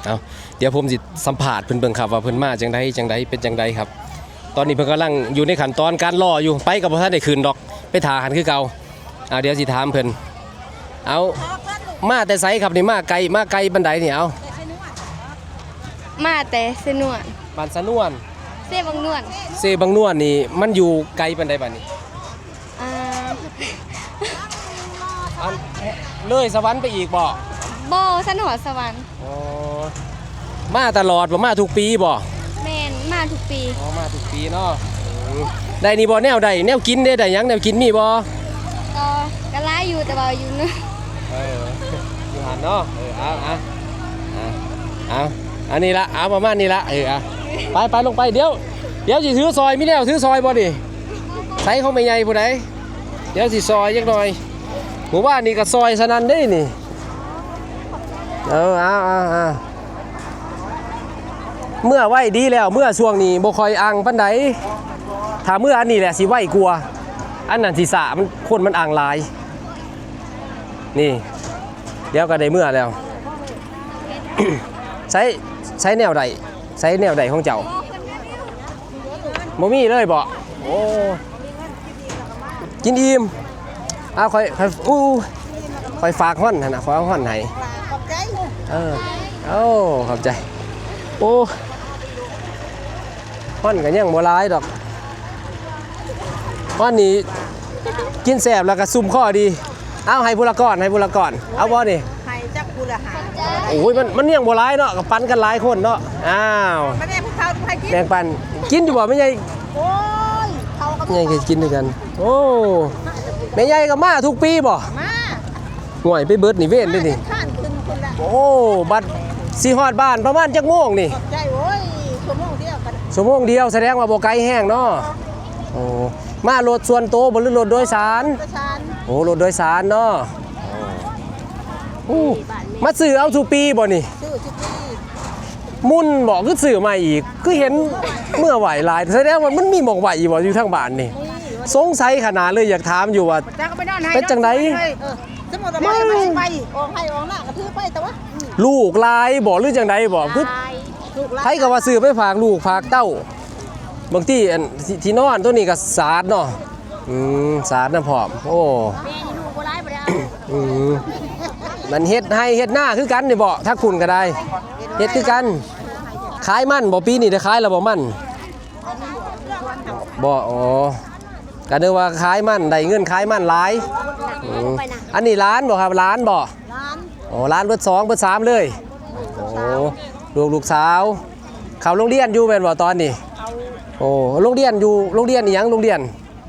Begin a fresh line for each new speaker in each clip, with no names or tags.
เอาเดี๋ยวผมสิสัมภาษณ์เพิ่นเบิ่งครับว่าเพิ่นมาจังไดเป็นจังไดครับตอนนี้เพิ่นกำลังอยู่ในขั้นตอนการรออยู่ไปกับบ่ทันได้คืนดอกไปท่าหันคือเก่าเดี๋ยวสิถามเพิ่นเอามาแต่ไสครับนี่มาไกลบันไดนี่เอา
มาแต่สนวน
บ้านสะนวน
เซบังนวล
เซบังนวลนี่มันอยู่ไกลบันไดบัดนี้อันเลยสวรรค์ไปอีกบ่
สันหอสวรรค์
อ๋อมาตลอดบ่มาทุกปีบ่
แม่นมาทุกปี
มาทุกปีเนาะได้นี่บ่แนวใดแนวกินได้หยังแนวกินมีบ่
ก็หลายอยู่แต่ว่าอยู่นึง
อยู่หันเนาะเอาอันนี้ละเอาประมาณนี้ละไปลงไปเดี๋ยวสิถือซอยมีแนวถือซอยบ่ดิใส่เขาไม่ใหญ่ผู้ใดเดี๋ยวสิซอยจักหน่อยหมู่บ้านนี่ก็ซอยสนั่นเด้นี่เมื่อไหวดีแล้วเมื่อช่วงนี้บ่ค่อยอังปานใดถ้าเมื่ออันนี้แหละสิไหวกลัวอันนั้นสิสะมันคนมันอังหลายนี่เดี๋ยวก็ได้เมื่อแล้ว ใช้แนวใดของเจ้าบ่มีเลยบ่โอ้กินอิ่มค่อยฝากฮ้อนหั่นน่ะขอฮ้อนให้ขอบใจขอบใจโอ้ฮ้อนก็ยังบ่หลายดอกฮ้อนนี้กินแซ่บแล้วก็ซุ่มข้อดีเอาให้ผู้ละก่อนเอาบ่นี่
ให้จักผู้ละหา
โอ้ยมันยังบ่หลายเนาะก็ปันกันหลายคนเนาะอ้าว
ไม่ได้พวกเขาให้กิน
แบ่งปันกินอยู่บ่แม่ใหญ่
โอ้ยเขาก็
ใหญ่ก็กินด้วยกันโอ้แม่ใหญ่ก็มาทุกปีบ่
มา
ห่วยไปเบิดนี่เว้นด้วยนี่
ข้านขึ้นคนละ
โอ้บัดสิฮอดบ้านประมาณจักโมงนี่
ใจโอ้ยชั่วโมงเดียวกัน
ชั่วโมงเดียวแสดงว่าบ่ไกลแห้งเนาะโอ้มารถส่วนตัวบ่หรือรถโดยสารโอ้รถโดยสารเนาะมาซื้อเอาทุกปีบ่นี่
ซื้อทุกปี
มุ่นบอกคือซื้อมาอีกคือเห็นเมื่อไหวหลายแสดงว่ามันมีหมอกไหวบ่อยู่ทางบ้านนี่สงสัยขนาดเลยอยากถามอยู่ว่าเป็นจังได
สมมุติว่าไปออกให้ออกหน้ากระทืบไปแต่ว่า
ลูกลายบ่หรือจังไดบ่คือไผก็ว่าซื้อไปฝากลูกฝากเต้าบางทีอันที่นอนตัวนี้ก็สาดเนาะสาดน้ำพร้อมโอ้
แม่นี่ลูกบ่ร้ายบ่ได้
มันเฮ็ดให้เฮ็ดหน้าคือกันนี่บ่ถ้าคุณก็ได้เฮ็ดคือกันขายมันบ่ปีนี้ได้ขายแล้วบ่มันบ่อ๋อก็นึกว่าขายมันได้เงินขายมันหลายอันนี้ร้านบ่ครับร้านบ่อ๋อร้านเบิด2เบิด3เลยโอ้ลูกสาวเข้าโรงเรียนอยู่แม่นบ่ตอนนี้โอ้โรงเรียนอยู่โรงเรียนอีหยังโรงเรียน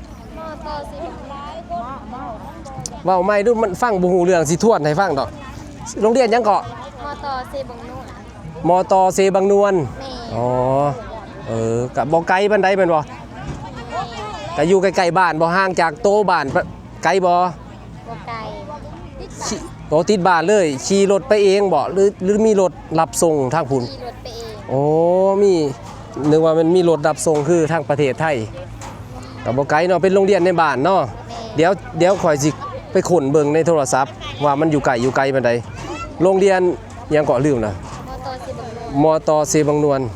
เว้าไม่ดูมันฟังบ่ฮู้เรื่องสิทวนให้ฟังดอกโรงเรียนหยังเกาะมตเซบังนวลอ๋อกับบ่ไกลปานใดแม่นบ่ก็อยู่ใกล้ๆบ้านบ่ห่างจากโตบ้านไกลบ่
ไกล
โตติดบ้านเลยขี่รถไปเองบ่หรือมีรถรับส่งทางพุ่น
ขี่รถไปเอง
โอ้มีนึกว่ามันมีรถรับส่งคือทางประเทศไทยก็บ่ไกลเนาะเป็นโรงเรียนในบ้านเนาะเดี๋ยวข่อยสิไปขนเบิ่งในโทรศัพท์ว่ามันอยู่ไกลปานใดโรงเรียนยังเกาะลืมนะมตเซบังนวล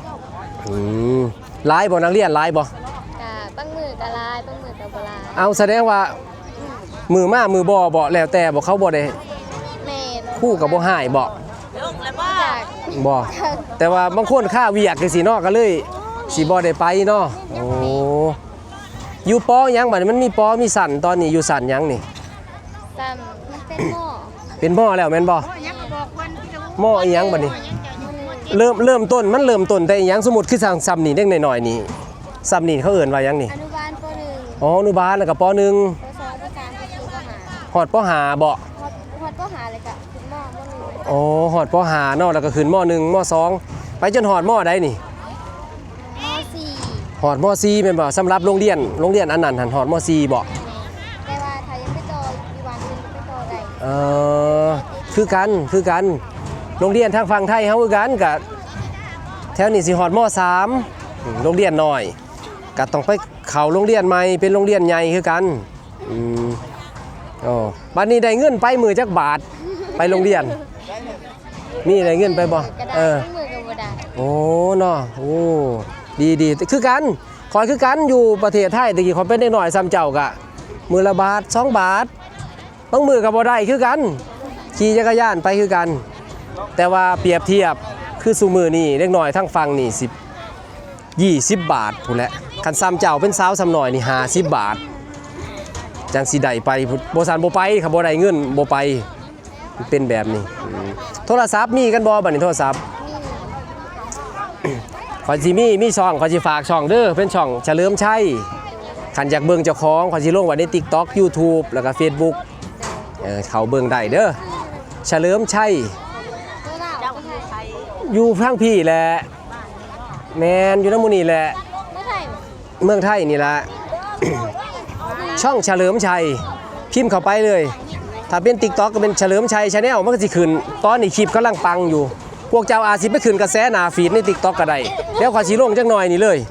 หลายบ่นักเรียนหลายบ่
บางมือก็หลายบางมือก็บ่หลาย
เอาแสดงว่ามือมามือบ่แล้วแต่บ่เขาบ่ได้
แม่
คู่ก็บ่หายบ่บ่แต่ว่าบางคนค่าเวียกจังซี่เนาะก็เลยสิบ่ได้ไปเนาะโอ้อยู่ปอหยังบัดนี้มันมีปอมีสั่นตอนนี้อยู่สั่นหยังนี่
มันเป็นหม้อ
เป็นหม้อแล้วแม่นบ่หม้ออีหยังบัดนี้เริ่มต้นมันเริ่มต้นแต่อีหยังสมมุติคือสั่งซ้ำนี่เด็กน้อยๆนี่ซ้ำนี่เขาเอิ้นว่าหยังนี่
อนุบาลป .1
อ๋ออนุบาลแล้วก็ป .1 ป .2 ป .3 ฮอดป .5 บ่
ฮอดป .5 เลยก็ขึ้นม .1
อ๋อฮอดป .5 เนาะแล้วก็ขึ้นม .1 ม .2 ไปจนฮอดมใดนี่
ม .4
ฮอดม .4 แม่นบ่สำหรับโรงเรียนอันนั้นหันฮอดม .4 บ่
แต่ว่าถ้ายังไม่ต่ออีวันนึงไปต่อได้
คือกันโรงเรียนทางฝั่งไทยเฮาคือกันก็แถวนี้สิฮอดม .3 โรงเรียนน้อยก็ต้องไปเข้าโรงเรียนใหม่เป็นโรงเรียนใหญ่คือกันบัดนี้ได้เงินไปมื้อจักบาทไปโรงเรียนมีได้เงินไปบ่
กระดาษ
เออ
มือกับบ่ได้
โอ้เนาะโอ้ดีคือกันคอยคือกันอยู่ประเทศไทยตะกี้ขอยเป็นเด็กน้อยซ้ำเจ้ากะมือละบาท2 บาทบางมือก็บ่ได้คือกันขี่จักรยานไปคือกัน แต่ว่าเปรียบเทียบคือซุมือนี่เด็กน้อยทั้งฟังนี่20 บาทพู้นแหละคันซ้ำเจ้าเป็นสาวซ้ำน้อยนี่50 บาทจังสิได้ไปบ่ซันบ่ไปครับบ่ได้เงินบ่ไปมันเป็นแบบนี้โทรศัพท์มีกันบ่บัดนี้โทรศัพท์ ขอยสิมีช่องขอยสิฝากช่องเด้อเป็นช่องเฉลิมชัยคันอยากเบิ่งเจ้าของขอยสิลงไว้ใน TikTok YouTube แล้วก็ Facebook เขาเบิ่งได้เด้อเฉลิมชัย
ตัวเราเจ้าไทย
อยู่ทางพี่แหละแมนอยู่นำหมู่นี่แหละ
ไม่ไทย
เมืองไทยนี่ล่ะ ช่องเฉลิมชัยพิมพ์เข้าไปเลยถ้าเป็น TikTok ก็เป็นเฉลิมชัย Channel มันก็สิขึ้นตอนนี้คลิปกำลังปังอยู่พวกเจ้าอาจสิไปขึ้นกระแสหน้าฟีดใน TikTok ก็ได้แล้วขอยสิลงจักหน่อยนี่เลย